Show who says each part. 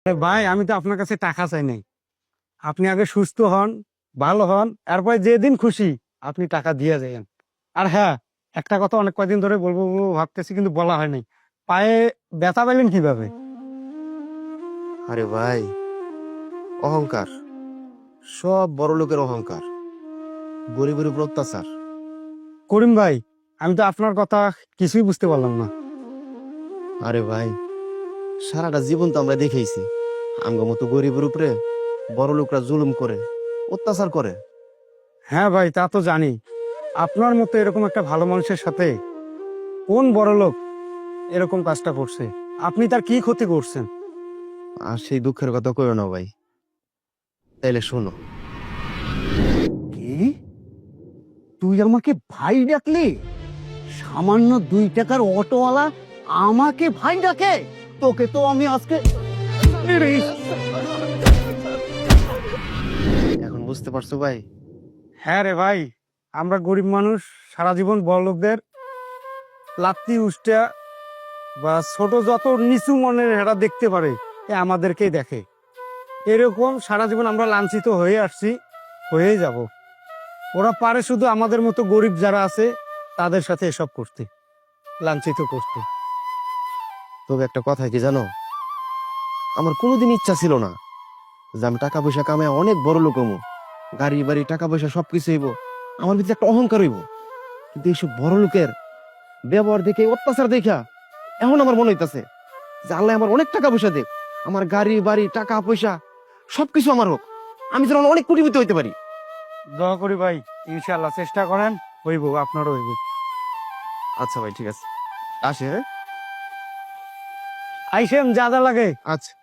Speaker 1: আরে ভাই, আমি তো আপনার কাছে টাকা চাই নাই। আপনি আগে সুস্থ হন, ভালো হন, এরপরে যেদিন খুশি আপনি টাকা দিয়ে যাবেন। আর হ্যাঁ, একটা কথা অনেক কয়দিন ধরে বলবো বলবো ভাবতেছি, কিন্তু বলা হয় নাই। পায়ে ব্যথা পেলেন কিভাবে?
Speaker 2: আরে ভাই, অহংকার। সব বড় লোকের অহংকার, গরিবের উপর অত্যাচার।
Speaker 1: করিম ভাই, আমি তো আপনার কথা কিছুই বুঝতে পারলাম না।
Speaker 2: আরে ভাই, সারাটা জীবন তো আমরা দেখেইছি আমগো মতো গরিবের উপরে বড় লোকরা জুলুম করে, অত্যাচার করে।
Speaker 1: হ্যাঁ ভাই, তা তো জানি। আপনার মতো এরকম একটা ভালো মানুষের সাথে কোন বড় লোক এরকম কাজটা করছে? আপনি তার কি ক্ষতি করছেন?
Speaker 2: আর সেই দুঃখের কথা কইও না ভাই। তাইলে শোনো।
Speaker 3: কি? তুই আমাকে ভাই ডাকলি? সামান্য 2 টাকার অটোওয়ালা আমাকে ভাই ডাকে? তোকে তো আমি আজকে
Speaker 2: এখন বুঝতে পারছো ভাই?
Speaker 1: হ্যাঁ রে ভাই, আমরা গরিব মানুষ সারা জীবন বড় লোকদের লাত্তি উষ্টা বা ছোট যত নিচু মনের এরা দেখতে পারে, এ আমাদেরকেই দেখে। এরকম সারা জীবন আমরা লাঞ্ছিত হয়ে আসছি, হয়েই যাব। ওরা পারে শুধু আমাদের মতো গরিব যারা আছে তাদের সাথে এসব করতে, লাঞ্ছিত করতে।
Speaker 2: তবে একটা কথা কি জানো, আমার কোনোদিন ইচ্ছা ছিল না যে আমি টাকা পয়সা কামায় অনেক বড় লোক হবো, গাড়ি বাড়ি টাকা পয়সা সবকিছু হইব, আমার ভিতরে একটা অহংকার হইব। কিন্তু এইসব বড় লোকের ব্যবহার দেখে, অত্যাচার দেখা এখন আমার মনে হইতাছে যে আল্লাহ আমার অনেক টাকা পয়সা দেখ, আমার গাড়ি বাড়ি টাকা পয়সা সবকিছু আমার হোক, আমি যেন অনেক কোটিপতি হইতে পারি।
Speaker 1: দোয়া করি ভাই, ইনশাল্লাহ চেষ্টা করেন, হইব, আপনারও হইব।
Speaker 2: আচ্ছা ভাই, ঠিক আছে, আসে, হ্যাঁ?
Speaker 1: আইসেন, যা যা লাগে।
Speaker 2: আচ্ছা।